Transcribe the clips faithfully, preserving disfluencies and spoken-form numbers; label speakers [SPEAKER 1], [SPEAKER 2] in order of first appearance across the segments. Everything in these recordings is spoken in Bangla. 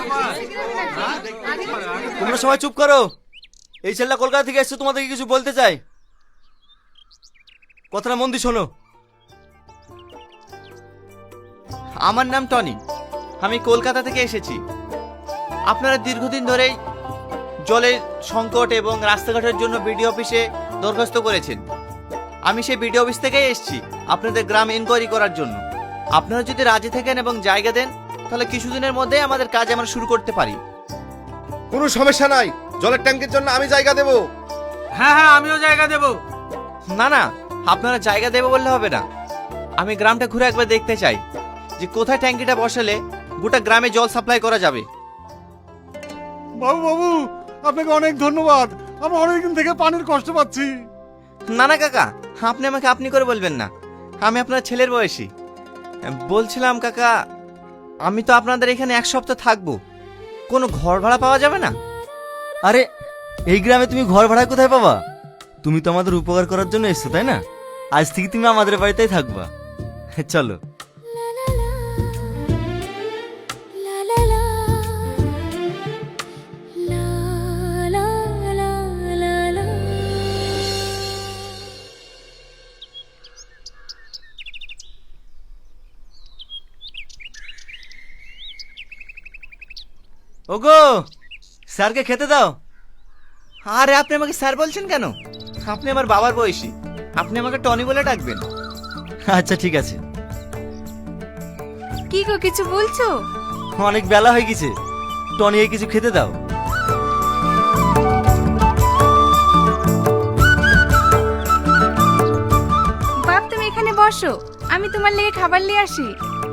[SPEAKER 1] তোমরা সবাই চুপ করো। এই ছেলেটা কলকাতা থেকে এসছে, তোমাদেরকে কিছু বলতে চাই। কথাটা মন দিয়ে শোনো।
[SPEAKER 2] আমার নাম টনি, আমি কলকাতা থেকে এসেছি। আপনারা দীর্ঘদিন ধরেই জলের সংকট এবং রাস্তাঘাটের জন্য বিডিও অফিসে দরখাস্ত করেছেন। আমি সেই বিডিও অফিস থেকেই এসেছি আপনাদের গ্রাম ইনকোয়ারি করার জন্য। আপনারা যদি রাজি থাকেন এবং জায়গা দেন, তাহলে কিছুদিনের মধ্যে আমাদের কাজ আমরা শুরু করতে পারি।
[SPEAKER 3] কোনো সমস্যা নাই, জলের ট্যাঙ্কের জন্য আমি জায়গা দেব।
[SPEAKER 4] হ্যাঁ হ্যাঁ আমিও জায়গা দেব।
[SPEAKER 2] না না, আপনারা জায়গা দেবে বললে হবে না। আমি গ্রামটা ঘুরে একবার দেখতে চাই যে কোথায় ট্যাঙ্কিটা বসালে গোটা গ্রামে জল সাপ্লাই করা যাবে।
[SPEAKER 5] বাবু বাবু আপনাকে অনেক ধন্যবাদ, আমরা অনেকদিন থেকে পানির কষ্ট পাচ্ছি।
[SPEAKER 2] না না কাকা, আপনি আমাকে আপনি করে বলবেন না, আমি আপনার ছেলের বয়সী। বলছিলাম কাকা, আমি তো আপনাদের এখানে এক সপ্তাহ থাকবো, কোনো ঘর ভাড়া পাওয়া যাবে না?
[SPEAKER 1] আরে এই গ্রামে তুমি ঘর ভাড়া কোথায় পাবা? তুমি তো আমাদের উপকার করার জন্য এসছো, তাই না? আজ থেকে তুমি আমাদের বাড়িতেই থাকবা। চলো। ওগো, স্যারকে খেতে দাও।
[SPEAKER 2] আরে আপনি আমাকে স্যার বলছেন কেন? আপনি আমার বাবার বয়সী, আপনি আমাকে টনি বলে ডাকবেন।
[SPEAKER 1] আচ্ছা ঠিক আছে।
[SPEAKER 6] কি গো, কিছু বলছো?
[SPEAKER 1] অনেক বেলা হয়ে গেছে, টনিকে কিছু খেতে দাও।
[SPEAKER 6] বাপ তুমি এখানে বসো, আমি তোমার লেগে খাবার নিয়ে আসি।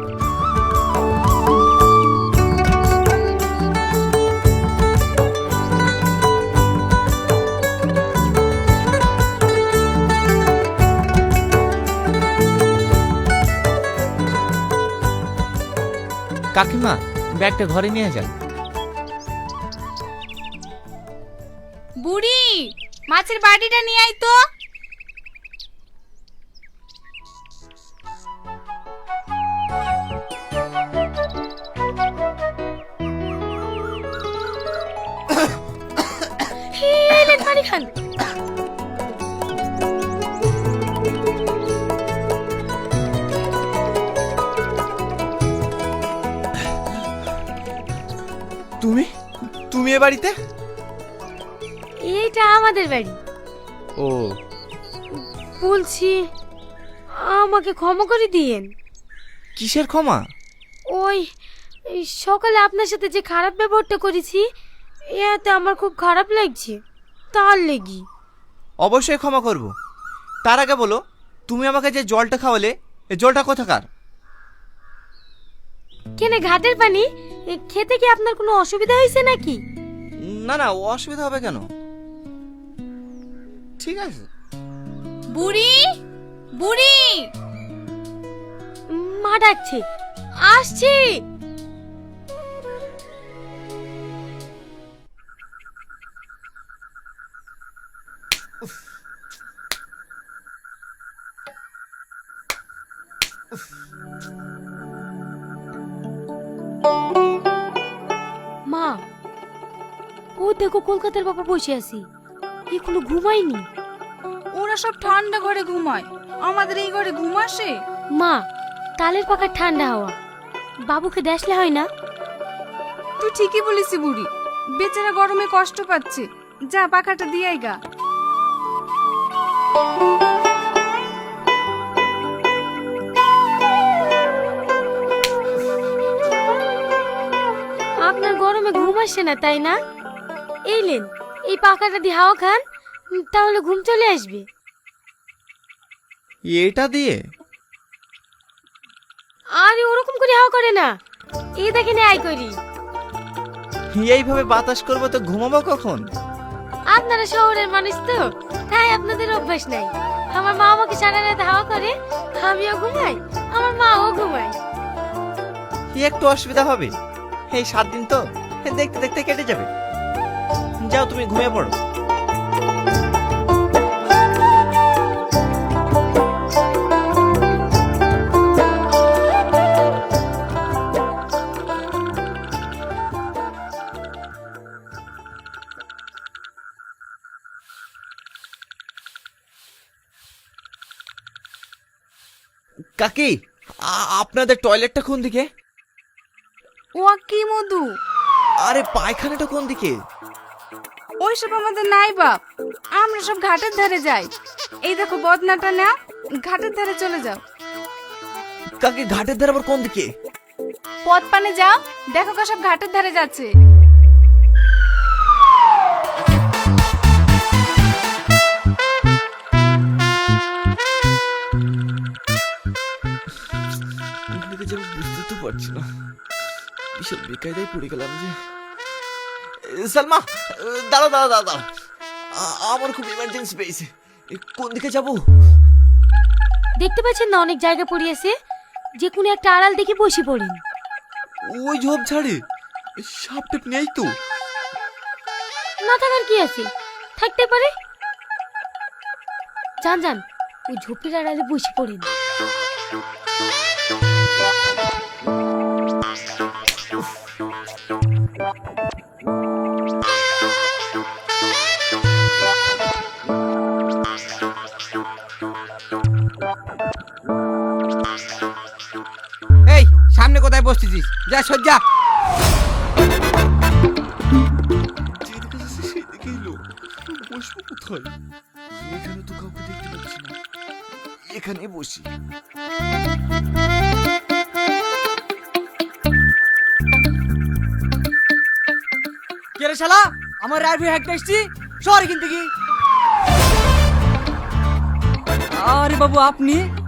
[SPEAKER 2] কাকিমা, ব্যাগটা ঘরে নিয়ে যান।
[SPEAKER 6] বুড়ি, মাছের বাটিটা নিয়ে আয় তো। হেলে পানি খান।
[SPEAKER 2] তুমি তুমি এ বাড়িতে?
[SPEAKER 7] এইটা আমাদের বাড়ি।
[SPEAKER 2] ও,
[SPEAKER 7] বলছি আমাকে ক্ষমা করে দিয়েন।
[SPEAKER 2] কিসের ক্ষমা?
[SPEAKER 7] ওই এই সকালে আপনার সাথে যে খারাপ ব্যবহারটা করেছি, এতে আমার খুব খারাপ লাগছে, তার লেগি।
[SPEAKER 2] অবশ্যই ক্ষমা করব। তার আগে বলো, তুমি আমাকে যে জলটা খাওয়ালে, এই জলটা কোথাকার?
[SPEAKER 7] কেনে ঘাটের পানি? এ খেতে কি আপনার কোনো অসুবিধা হয়েছে নাকি?
[SPEAKER 2] না না, অসুবিধা হবে কেন? ঠিক আছে।
[SPEAKER 6] বুড়ি, বুড়ি,
[SPEAKER 7] মা ডাকছে, আসছি। মা, ও দেখো কলকাতার বাবা বসে আছি, এখনো ঘুমাইনি।
[SPEAKER 6] ওরা সব ঠান্ডা ঘরে ঘুমায়, আমাদের এই ঘরে ঘুম আসে?
[SPEAKER 7] মা, তালের পাখার ঠান্ডা হাওয়া বাবুকে দেখলে হয় না?
[SPEAKER 6] তুই ঠিকই বলিস বুড়ি, বেচারা গরমে কষ্ট পাচ্ছে, যা পাখাটা দিয়ে আয় গা।
[SPEAKER 7] আপনার গরমে ঘুম আসছে না তাই না? এই লেন, এই পাখাটা দিয়ে হাওয়া খান, তাহলে ঘুম চলে আসবে।
[SPEAKER 2] এটা দিয়ে?
[SPEAKER 7] আরে ওরকম করে হাওয়া করে না, এই দেখেন আই করি।
[SPEAKER 2] এইভাবে বাতাস করবো তো ঘুমাবো কখন?
[SPEAKER 7] আপনারা শহরের মানুষ তো, তাই আপনাদের অভ্যাস নাই। আমার মা আমাকে সারা রাত হাওয়া করে, আমিও ঘুমাই, আমার মাও ঘুমায়।
[SPEAKER 2] কি একটু অসুবিধা হবে? এই সাত দিন তো দেখতে দেখতে কেটে যাবে। যাও, তুমি ঘুমিয়ে পড়ো। কাকি আ- আপনাদের টয়লেটটা কোন দিকে?
[SPEAKER 6] ও কি মধু,
[SPEAKER 2] আরে পায়খানাটা কোন দিকে?
[SPEAKER 6] ওইসব আমাদের নাই বাপ, আমরা সব ঘাটের ধারে যাই। এই দেখো বদনাটা না, ঘাটের ধারে চলে যাও।
[SPEAKER 2] কাকি ঘাটের ধারে আবার কোন দিকে?
[SPEAKER 6] পথ পানে যাও, দেখো সব ঘাটের ধারে যাচ্ছে।
[SPEAKER 2] কোন দিকে যাবো বুঝতে তো পারছি না, বিশাল বেকায়দায় পড়ে গেলাম যে। এ, সালমা দাঁড়া দাঁড়া দাঁড়া দাঁড়া, আ- আমার খুব ইমার্জেন্সি পেয়েছে। এ, কোন দিকে যাবো?
[SPEAKER 7] দেখতে পাচ্ছেন না অনেক জায়গা পড়িয়েছে, যে কোনো একটা আড়াল দেখে বসে পড়েন।
[SPEAKER 2] ওই ঝোপ ঝাড়ে সাপ টেপ নেই তো?
[SPEAKER 7] না থাকার কি আছে, থাকতে পারে। যান যান, ওই ঝোপের আড়ালে বসে পড়েন।
[SPEAKER 4] এই সামনে কোথায় বসতেছিস, যা সজ্জা।
[SPEAKER 2] যেদিকে যাচ্ছে সেদিকেই লোক, বসবো কোথায়? এখানে তো কাউকে দেখতে পাচ্ছি না, এখানে বসি।
[SPEAKER 8] কে রে শালা, আমার রাইফেল হ্যাকটা এসছি, শহরে কিনতে কি? আরে বাবু আপনি